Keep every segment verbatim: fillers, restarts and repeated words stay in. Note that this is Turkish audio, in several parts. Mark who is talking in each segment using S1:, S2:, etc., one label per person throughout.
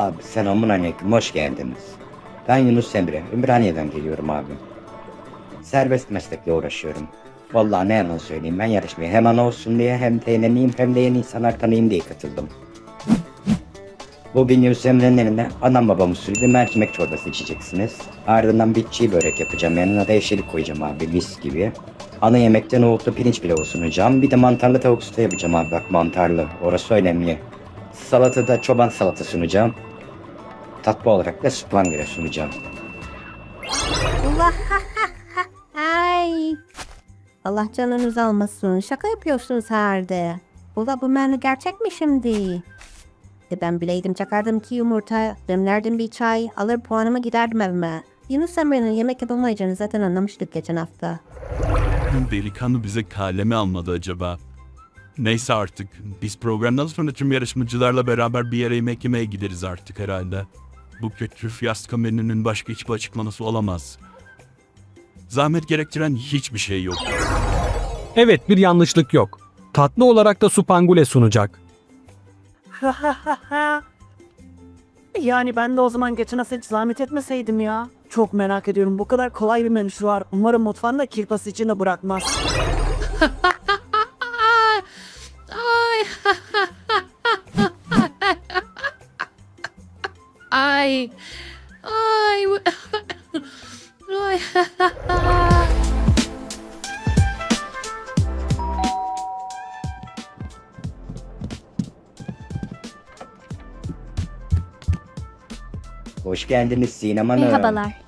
S1: Abi selamünaleyküm, hoş geldiniz. Ben Yunus Emre, Ümraniye'den geliyorum abi. Serbest meslekle uğraşıyorum. Vallahi ne yalan söyleyeyim, ben yarışmaya hem ana olsun diye hem eğleneyim hem de yeni insanlar tanıyayım diye katıldım. Bugün Yunus Emre'nin elinde anam babam usulü bir mercimek çorbası içeceksiniz. Ardından bir çiğ börek yapacağım, yanına da yeşillik koyacağım abi, mis gibi. Ana yemekte nohutlu pirinç pilavı sunacağım, bir de mantarlı tavuk sote yapacağım abi, bak mantarlı, orası önemli. Salatada çoban salata sunacağım. Tatlı olarak da sütlangıra sunacağım.
S2: Allah ay. Allah canınızı almasın. Şaka yapıyorsunuz herhalde. Ula bu menü gerçek mi şimdi? E ben bileydim çakardım ki yumurta, demlerdim bir çay, alır puanımı giderdim evime. Yunus Emre'nin yemek yapamayacağını zaten anlamıştık geçen hafta.
S3: Delikanlı bize kaleme almadı acaba? Neyse artık. Biz programdan sonra tüm yarışmacılarla beraber bir yere yemek yemeye gideriz artık herhalde. Bu kötü fiyasko menünün başka hiçbir açıklaması olamaz. Zahmet gerektiren hiçbir şey yok.
S4: Evet, bir yanlışlık yok. Tatlı olarak da supangule sunacak.
S5: Yani ben de o zaman geçen hafta hiç zahmet etmeseydim ya. Çok merak ediyorum. Bu kadar kolay bir menüsü var. Umarım mutfağında kirpası içinde bırakmaz.
S6: Ay. Ay. Ay. Ay.
S1: Hoş geldiniz Sinem Hanım.
S7: Merhabalar.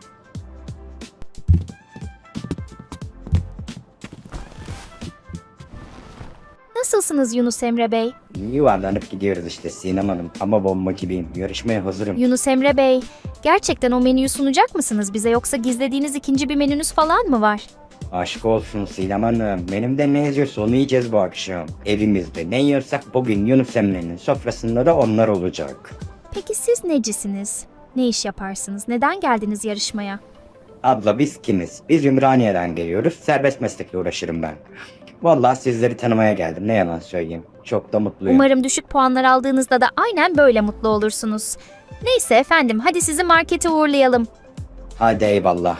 S7: Nasılsınız Yunus Emre Bey?
S1: Yuvarlanıp gidiyoruz işte Sinem Hanım. Ama bomba gibiyim. Yarışmaya hazırım.
S7: Yunus Emre Bey, gerçekten o menüyü sunacak mısınız bize yoksa gizlediğiniz ikinci bir menünüz falan mı var?
S1: Aşk olsun Sinem Hanım. Benim de ne yazıyorsa onu yiyeceğiz bu akşam. Evimizde ne yiyorsak bugün Yunus Emre'nin sofrasında da onlar olacak.
S7: Peki siz necisiniz? Ne iş yaparsınız? Neden geldiniz yarışmaya?
S1: Abla biz kimiz? Biz Ümraniye'den geliyoruz. Serbest meslekle uğraşırım ben. Vallahi sizleri tanımaya geldim. Ne yalan söyleyeyim. Çok da mutluyum.
S7: Umarım düşük puanlar aldığınızda da aynen böyle mutlu olursunuz. Neyse efendim, hadi sizi markete uğurlayalım.
S1: Hadi eyvallah.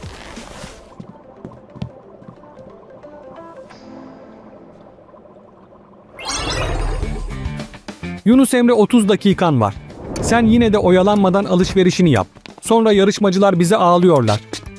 S4: Yunus Emre, otuz dakikan var. Sen yine de oyalanmadan alışverişini yap. Sonra yarışmacılar bize ağlıyorlar.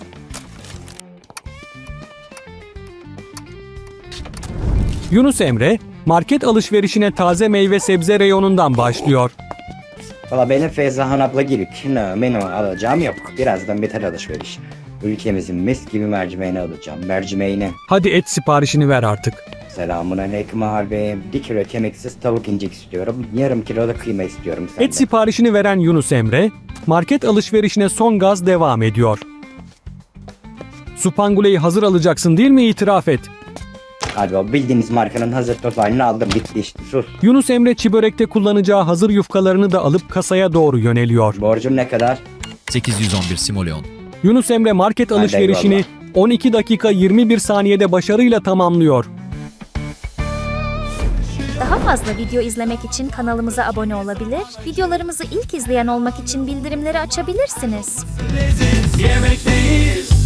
S4: Yunus Emre, market alışverişine taze meyve sebze reyonundan başlıyor.
S1: Valla benim Feyzahan abla gibi kino menü alacağım yok. Birazdan biter alışveriş. Ülkemizin mis gibi mercimeğini alacağım. Mercimeğini.
S4: Hadi et siparişini ver artık.
S1: Selamun aleyküm abi. Bir kilo kemiksiz tavuk incik istiyorum. Yarım kilo da kıyma istiyorum senden.
S4: Et siparişini veren Yunus Emre, market alışverişine son gaz devam ediyor. Supangule'yi hazır alacaksın değil mi, itiraf et.
S1: Hadi o bildiğiniz markanın hazır toz halini aldım, bitti işte, sus.
S4: Yunus Emre çi börekte kullanacağı hazır yufkalarını da alıp kasaya doğru yöneliyor.
S1: Borcum ne kadar?
S8: sekiz yüz on bir Simoleon.
S4: Yunus Emre market
S1: Hadi
S4: alışverişini
S1: eyvallah.
S4: on iki dakika yirmi bir saniyede başarıyla tamamlıyor.
S7: Daha fazla video izlemek için kanalımıza abone olabilir, videolarımızı ilk izleyen olmak için bildirimleri açabilirsiniz.
S9: Yemekteyiz.